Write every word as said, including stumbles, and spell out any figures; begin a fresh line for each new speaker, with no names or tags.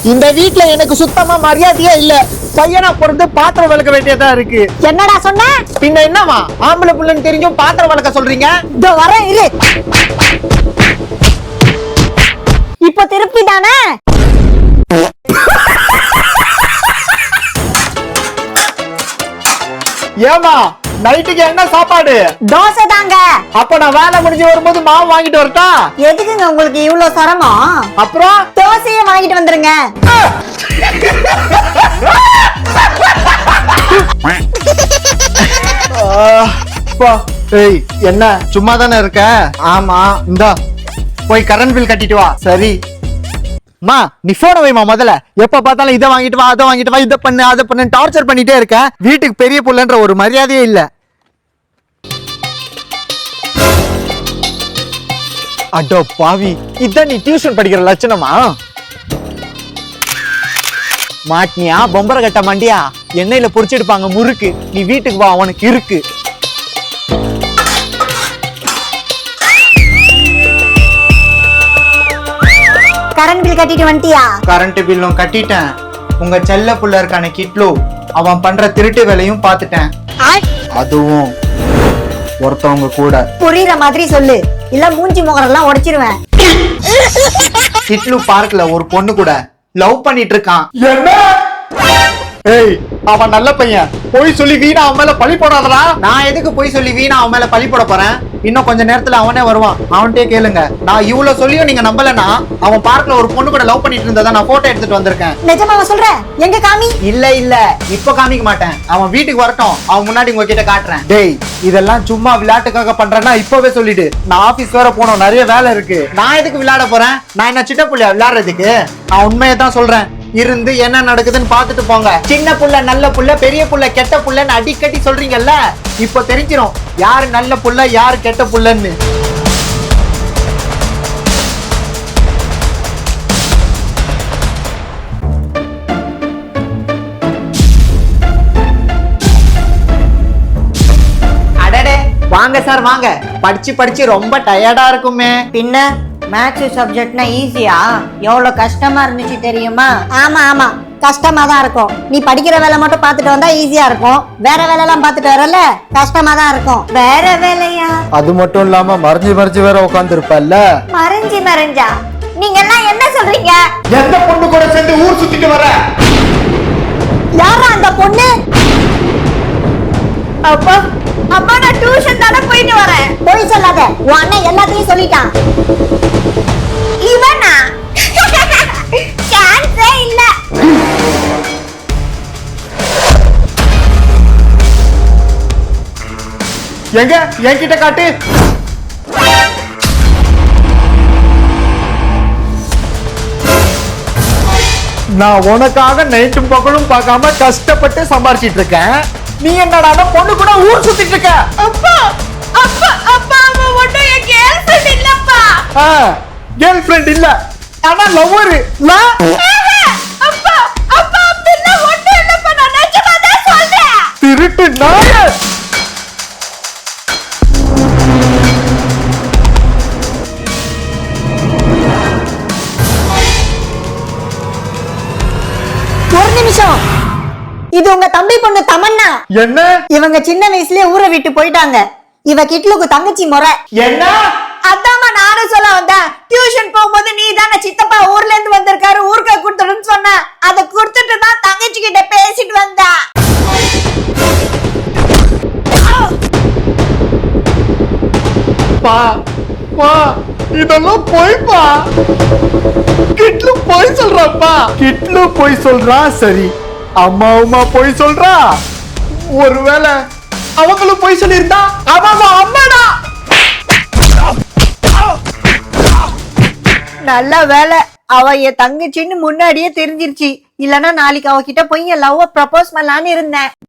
இந்த வீட்ல எனக்கு சுத்தமா மரியாதையே இல்ல. பையனா பிறந்து பாத்திரம் வளர்க்க வேண்டியதா இருக்கு.
என்னடா சொன்ன?
பின்ன என்னவா ஆம்பளை புள்ளன்னு தெரிஞ்சும் பாத்திரம் வளர்க்க சொல்றீங்க?
இதோ வரேன் இரு. இப்போ திருப்பி தானே?
ஏமா நைட்டுக்கு என்ன சாப்பாடு?
தோசை தாங்க.
அப்ப நான் வேலை முடிஞ்சு வரும்போது மாவு வாங்கிட்டு வரட்டா?
எதுக்குங்க உங்களுக்கு இவ்வளவு சிரமம்?
அப்புறம்
தோசையை வாங்கிட்டு வந்துருங்க.
ஏய் என்ன சும்மா தானே இருக்க? ஆமா இந்தா போய் கரண்ட் பில் கட்டிட்டு வா. சரி மா நீ போன வைமா. முதல்ல எப்ப பார்த்தாலும் இதை வாங்கிட்டு வா அதை வாங்கிட்டு வா இதை பண்ணு அதை பண்ணு டார்ச்சர் பண்ணிட்டே இருக்க. வீட்டுக்கு பெரிய புள்ளன்ற ஒரு மரியாதையே இல்ல. அடோ பாவி, இதான் நீ டியூஷன் படிக்கிற லட்சணமா? மாட்டினியா பொம்பரை கட்ட மாண்டியா? எண்ணெயில பொரிச்சிடுப்பாங்க முறுக்கு. நீ வீட்டுக்கு வா, அவனுக்கு இருக்கு.
கரண்ட் பில் கட்டிட்டு வந்துட்டியா?
கரண்ட் பில்லும் கட்டிட்டேன். உங்க செல்ல புள்ள இருக்கான கிட்லு, அவன் பண்ற திருட்டு வேலையும் பாத்துட்டேன். அதுவும் ஒருத்தவங்க கூட.
புரியுற மாதிரி சொல்லு, இல்ல மூஞ்சி முகரெல்லாம் உடைச்சிருவேன்.
கிட்லு பார்க்ல ஒரு பொண்ணு கூட லவ் பண்ணிட்டு இருக்கான். என்ன? ஏய் அவன் நல்ல பையன், போய் சொல்லி வீணா அவன் மேல பழி போடாதடா. நான் எதுக்கு போய் சொல்லி வீணா அவன் மேல பழி போட போறேன்? இன்னும் கொஞ்ச நேரத்துல அவனே வருவான். அவன்கிட்டயே கேளுங்க. நான் இவ்வளவு சொல்லியும் நீங்க நம்பலனா, அவன் பார்க்ல ஒரு பொண்ணு கூட லவ் பண்ணிட்டு இருந்ததா நான் போட்டோ எடுத்துட்டு வந்திருக்கேன்.
நிஜமாவா சொல்ற? எங்க காமி?
இல்ல இல்ல இப்ப காமிக்க மாட்டேன். அவன் வீட்டுக்கு வரட்டும், அவன் முன்னாடி உங்ககிட்ட காட்டுறேன். டேய் இதெல்லாம் சும்மா விளையாட்டுக்காக பண்றேன்னா இப்பவே சொல்லிடு. நான் ஆபீஸ் வேற போனோம், நிறைய வேலை இருக்கு. நான் எதுக்கு விளையாட போறேன்? நான் என்ன சின்ன புள்ளையா விளையாடுறதுக்கு? நான் உண்மையை தான் சொல்றேன். இருந்து என்ன நடக்குதுன்னு பாத்துட்டு போங்க. சின்ன புள்ள நல்ல புள்ள, பெரிய புள்ள கெட்ட புள்ளன்னு அடிக்கடி சொல்றீங்கல்ல, இப்போ தெரிஞ்சிரும் யாரு நல்ல புள்ள யாரு கெட்ட புள்ளன்னு. அடடே வாங்க சார் வாங்க. படிச்சு படிச்சு ரொம்ப டயர்டா இருக்குமே.
பின்ன மேத்ஸ் சப்ஜெக்ட்னா ஈஸியா? எவ்வளவு கஷ்டமா இருந்துச்சு தெரியுமா? ஆமா ஆமா கஷ்டமா தான் இருக்கும். நீ படிக்கிற வேலை மட்டும் பார்த்துட்டு வந்தா ஈஸியா இருக்கும். வேற வேலை எல்லாம் பார்த்துட்டு வரல கஷ்டமா தான் இருக்கும். வேற வேலையா?
அது மட்டும் இல்லாம மறைஞ்சு மறைஞ்சு வேற உட்கார்ந்து இருப்பல்ல.
மறைஞ்சு மறைஞ்சா? நீங்க எல்லாம் என்ன சொல்றீங்க?
எந்த பொண்ணு கூட சேர்ந்து ஊர் சுத்திட்டு வர?
யாரா அந்த பொண்ணு? அப்பா அப்பா நான் டியூஷன் தான போயிட்டு வரேன். போய் சொல்லாத, உன் அண்ணன் எல்லாத்தையும் சொல்லிட்டான். இவனா? சான்ஸே இல்ல.
எங்க என்கிட்ட காட்டு. நான் உனக்காக நைட்டும் பகலும் பார்க்காம கஷ்டப்பட்டு சம்பாரிச்சிட்டு இருக்கேன். நீ என்னடா பொண்ணு கூட ஊர் சுத்திட்டு இருக்க?
அப்பா அப்பா அப்பா அவ ஒண்ணு என் கேர்ள் ஃப்ரெண்ட் இல்லப்பா.
ஆ கேர்ள் ஃப்ரெண்ட் இல்ல, ஆனா லவ்வர்.
அப்பா அப்பா பின்ன ஒண்ணு இல்லப்பா, நான் நிஜமா தான் சொல்றேன்.
திருட்டு நாய.
ஒரு நிமிஷம், இது உங்க தம்பி பொண்ணு தமன்னா.
என்ன?
இவங்க சின்ன வயசுலயே ஊரை விட்டு போயிட்டாங்க. இவ கிட்லுக்கு தங்கச்சி முறை.
என்ன?
அதாம்மா நானும் சொல்ல வந்தேன். டியூஷன் போகும்போது நீ தானே சித்தப்பா ஊர்ல இருந்து வந்திருக்காரு, ஊருக்கு கொடுத்துடுன்னு சொன்ன. அதை கொடுத்துட்டு தான் தங்கச்சி கிட்ட பேசிட்டு வந்தா.
பா பா இதெல்லாம் போய்ப்பா. கிட்லு போய் சொல்றாப்பா. கிட்லு போய் சொல்றா. சரி அம்மா அம்மா போய் சொல்றா. ஒருவேளை அவங்களும் போய் சொல்லியிருந்தா அவங்க அம்மாடா.
நல்ல வேலை அவ என் தங்கச்சின்னு முன்னாடியே தெரிஞ்சிருச்சு. இல்லன்னா நாளைக்கு அவகிட்ட போய் என் லவ் ப்ரப்போஸ் பண்ணலான்னு இருந்தேன்.